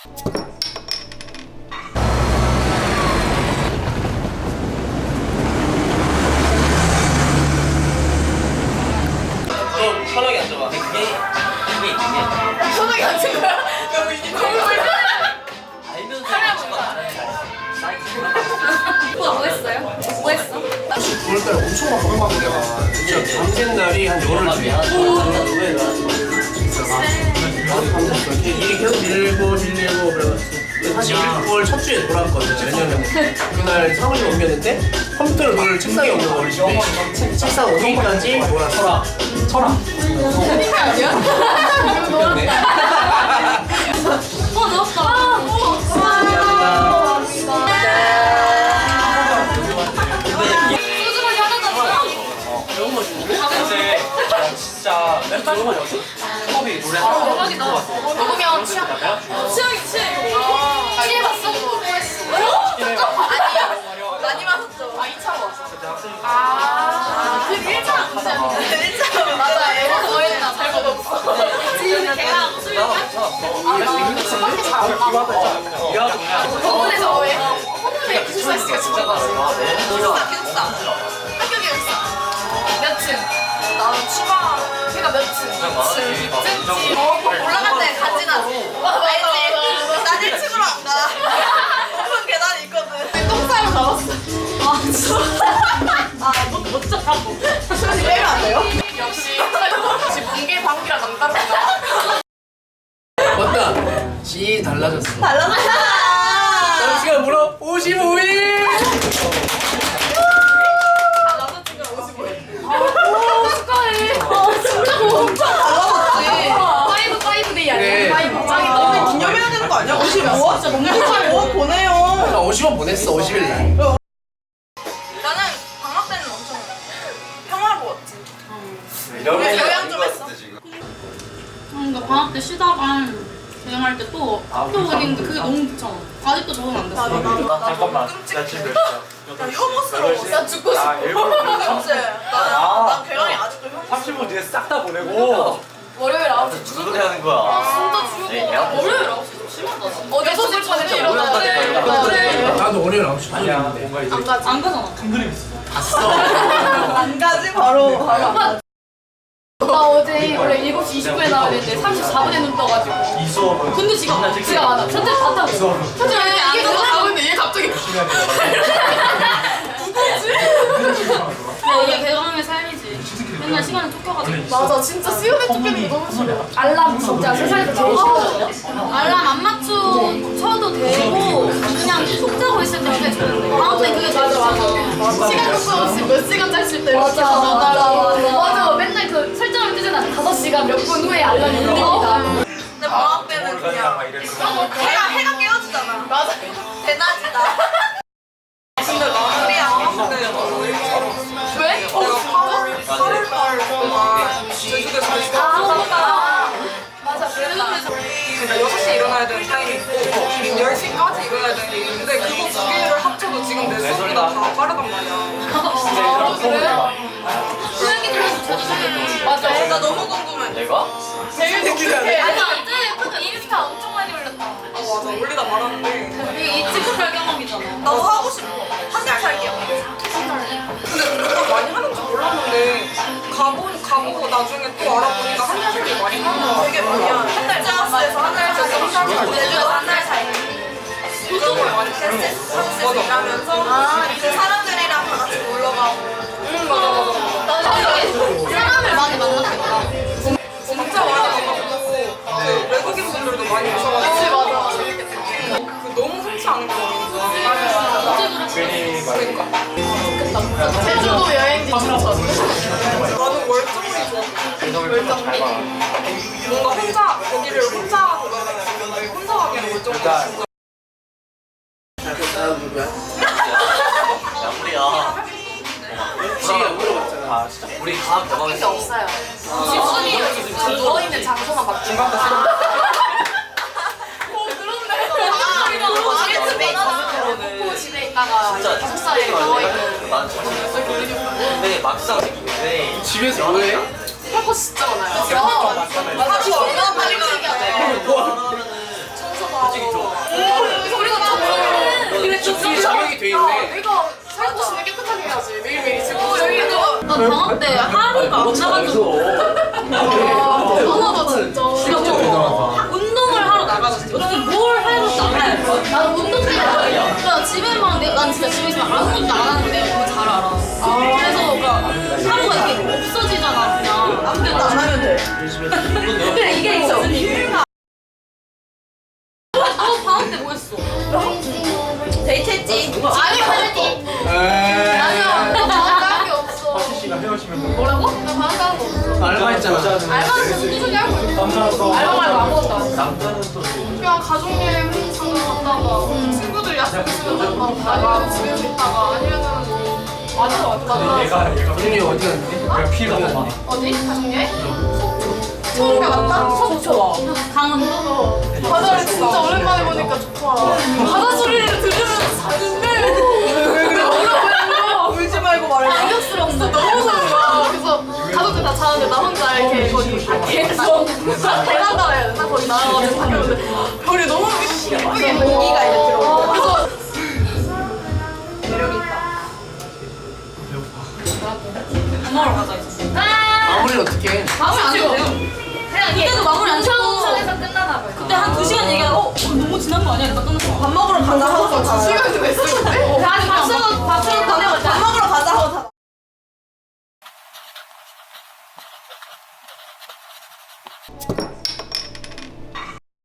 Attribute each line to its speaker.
Speaker 1: 편하게 앉아봐. 그게 있는 게
Speaker 2: 편하게 앉은 거야?
Speaker 1: 알면서
Speaker 2: 오빠 뭐 했어요? 뭐 했어?
Speaker 3: 9월달에 엄청 바쁘거든 내가. 진짜 밤샌 날이 한 열흘 뒤에. 일이 계속 밀리고 그래가지고 사실 1월 첫 주에 돌아왔거든. 왜냐면 그날 사무실 옮겼는데 컴퓨터를 놓을 책상에 옮겨 우리 집에. 책상 오기까지 놀아. 철학.
Speaker 2: 스니커 아니야?
Speaker 3: 그렇네.
Speaker 2: 넣었다. 소주만이 하나도 없어?
Speaker 1: 배운 거 주는데? 근데 진짜 맨날 이런 거 없어? 컵이 노래
Speaker 2: 대박이다. 먹으면 취향이 취해봤어? 아니 많이 마셨죠. 2차로 왔어. 그 1차랑 문제 아니야? 1차로 맞아. 애가 더 했나 잘못 없어. 지금 걔가 술 밖에 잘안 나와. 저번에서 왜 호텔에 기숙사 씨가 진짜 많아. 기숙사. 학교 기숙사. 몇 층? 나는 추가. 걔가 몇 층? 올라갈 때 같이 나. 알지? 난 1층으로 안 가. 높은 계단이 있거든. 똥 싸러 나왔어. 아 진짜. 못 잡고. 수현이 빼면 안 돼요? 역시 뭉개 방귀랑 남다르구나.
Speaker 3: 맞다. 지 달라졌어.
Speaker 2: 달라졌다.
Speaker 3: 남친가 물어 55일.
Speaker 2: 남자친구랑 55일. 축하해. 진짜 엄청 달라졌지. 파이브 데이
Speaker 3: 그래.
Speaker 2: 아니야? 파이브 짱이다.
Speaker 4: 기념해야 되는 거 아니야? 50원? 진짜 너무 축하해. 보내요.
Speaker 3: 나 50원 보냈어 50일 날.
Speaker 4: 나는 방학 때는 엄청 평화로웠지. 요양 좀 했어.
Speaker 5: 그러니까 방학 때 쉬다가 여행할 때 또 학교 다니는데 그게 너무 귀찮아. 아직도 적응 안 됐어.
Speaker 1: 잠깐만.
Speaker 4: 끔찍해.
Speaker 1: 나 지금 몇 시야?
Speaker 4: 나 혐오스러워.
Speaker 2: 나 죽고 싶어.
Speaker 4: 그치? 난 괴랑이 아직도 혐오스러워.
Speaker 1: 30분 뒤에 싹 다 보내고
Speaker 2: 월요일 9시
Speaker 1: 무슨 소리 하는 거야?
Speaker 2: 진짜
Speaker 1: 에이,
Speaker 2: 죽어.
Speaker 1: 내가
Speaker 2: 월요일 9시 좀 심하다. 진짜. 어제 6시 전에
Speaker 1: 진짜
Speaker 2: 일어나야 돼.
Speaker 1: 오랜만이다,
Speaker 2: 그래.
Speaker 3: 나도 월요일 9시
Speaker 1: 아니야
Speaker 3: 반인데.
Speaker 1: 뭔가 이제
Speaker 2: 안 가지.
Speaker 5: 안 가잖아.
Speaker 4: 안 가지 바로.
Speaker 2: 나 어제 원래 7시 20분에 나와야 되는데 34분에 눈 떠가지고.
Speaker 1: 이 수업은
Speaker 2: 근데 지가 많아. 현재 다 타고 있어. 현재 이게 누가 가고 있는데 얘 갑자기.
Speaker 5: 이게 개그맨의 삶이지. 맨날 시간을 쫓겨가지고.
Speaker 2: 맞아 진짜 수요일 쫓기는 게 너무 싫어. 알람 진짜 세상에서 제일 싫거든요.
Speaker 5: 알람 안 맞춰도 되고 그냥 속 자고 있을 때 그게 좋은데. 방학 때 그게 제일 좋아.
Speaker 2: 시간 속도 없이 몇 시간 짤 때 이렇게 맞아 맨날 그 설정을 뜨잖아. 5시간 몇 분 후에 알람이 울립니다.
Speaker 4: 근데 방학 때는 그냥 해가 깨워주잖아.
Speaker 2: 맞아.
Speaker 4: 대낮이다. 근데 나들이랑 방학 때는 너무 일찍
Speaker 2: 왜?
Speaker 4: 내가 8월달 동안 제주도에서 있었어.
Speaker 2: 맞아 그랬다.
Speaker 4: 그러니까 6시에 일어나야 되는 타임이 있고 10시까지 일어나야 되는 게 있는데 그거 두 개를 합쳐도 지금 내 속보다 다 빠르단 말이야.
Speaker 2: 그래?
Speaker 5: 수영이들도 제주도에
Speaker 2: 맞아.
Speaker 4: 나 너무 궁금해.
Speaker 1: 내가?
Speaker 2: 제일 독특해.
Speaker 5: 아니 어제 인스타 엄청 많이 올렸다.
Speaker 4: 맞아 올리다 말았는데
Speaker 5: 이게 이 친구별 경험이잖아.
Speaker 4: 나도 하고 싶어. 한 달 살게요. 근데 그거 많이 하는 줄 몰랐는데 가보고 나중에 또 알아보니까 한 달 살기 많이 하는 거 되게 많이 하는. 한달 짜스에서 한 달 살기, 한 달 살기, 제주에서 한 달 살기. 그걸 많이 테스트하면서 일하면서 그 사람들이랑 다 같이 놀러 가고.
Speaker 2: 맞아. 나는 사람을 많이 만났겠다.
Speaker 4: 진짜 많이 만났고 그 외국인 분들도 많이 오셔가지고.
Speaker 2: 맞아.
Speaker 4: 그 너무 흔치 않은 경험이었어.
Speaker 1: 괜히 말이니까
Speaker 2: 제주도 여행지 추천.
Speaker 4: 나는 월정리 좋았어.
Speaker 1: 월정리
Speaker 4: 뭔가 혼자 거기를 혼자 돌아다니는데 혼자 가기에는 월정리 진짜.
Speaker 3: 다음 누구야?
Speaker 1: 야 우리야
Speaker 3: 지가 물어봤잖아.
Speaker 1: 아 진짜 우리 다음 대박이
Speaker 2: 게 없어요. 집순이 누워있는 장소만 맞죠?
Speaker 1: 중간도 싫어
Speaker 2: 집에 있어. 목포 집에 있다가
Speaker 1: 진짜
Speaker 2: 기숙사에 누워있는.
Speaker 1: 난 정신 없어 근데 막상 생기는데
Speaker 3: 집에서 뭐해?
Speaker 2: 할거 진짜 많아요.
Speaker 4: 하루 얼마나 많이 가는데
Speaker 1: 청소도 하고
Speaker 3: 이 자격이 돼 있네.
Speaker 2: 내가 살고 싶으면 깨끗하게 해야지. 매일매일 지금.
Speaker 5: 나 방학 때 하루가 안 나간 적 없어.
Speaker 2: 대단하다 진짜.
Speaker 5: 운동을 하러 나가졌지. 어쨌든 뭘 해도 나가야 돼.
Speaker 2: 나는 운동 때문에
Speaker 5: 그러니까 집에만 난 진짜 집에 있으면 아무것도 안 하는데 너무 잘 알아. 그래서 그러니까 하루가 이렇게 없어지잖아 그냥.
Speaker 4: 아무것도 안 하면 돼.
Speaker 5: 근데 이게 있어. 방학 때 뭐 했어?
Speaker 4: 데이트했지.
Speaker 2: 아니야. 나 방학 가는 게 없어.
Speaker 1: 씨가 헤어지면
Speaker 2: 뭐라고? 나 방학 가는 거 없어.
Speaker 3: 알바했잖아.
Speaker 2: 알바는 계속 꾸준히 하고 있어.
Speaker 1: 남자라서
Speaker 2: 알바 말고 아무것도 안 해.
Speaker 1: 남자는 또
Speaker 2: 그냥 가족여행 잠깐 갔다가 친구들 약속 있으면 나가고 집에서 있다가 아니면은 맞아.
Speaker 1: 얘가
Speaker 3: 준이 어디 갔는데?
Speaker 1: 내가 피가 너무 많아.
Speaker 2: 어디? 가족여행? 속초 갔다? 속초.
Speaker 5: 강원도?
Speaker 2: 바다를 진짜 오랜만에 보니까 좋더라. 바다 소리를 들으면서 자는데 왜 그래?
Speaker 4: 울지 말고 말해.
Speaker 2: 감격스러운 거 너무 무서운 거야. 그래서 가족들 다 자는데 나 혼자 이렇게 거기 밖에서 베란다라 해야 되나? 거기 나가가지고 바뀌었는데 별이 너무 예쁘게
Speaker 4: 공기가 이렇게 들어오고.
Speaker 2: 그래서
Speaker 4: 매력이 있다.
Speaker 5: 밥 먹으러 가자 이제.
Speaker 3: 마무리를 어떻게 해?
Speaker 5: 마무리 안 돼. 그때도 마무리 안 시키고
Speaker 2: 끝나나 봐요.
Speaker 5: 그때 한 2시간 얘기하고 너무 지난 거 아니야? 이러다 끝났어.
Speaker 4: 밥 먹으러 간다 하고
Speaker 2: 두 시간도 됐을 때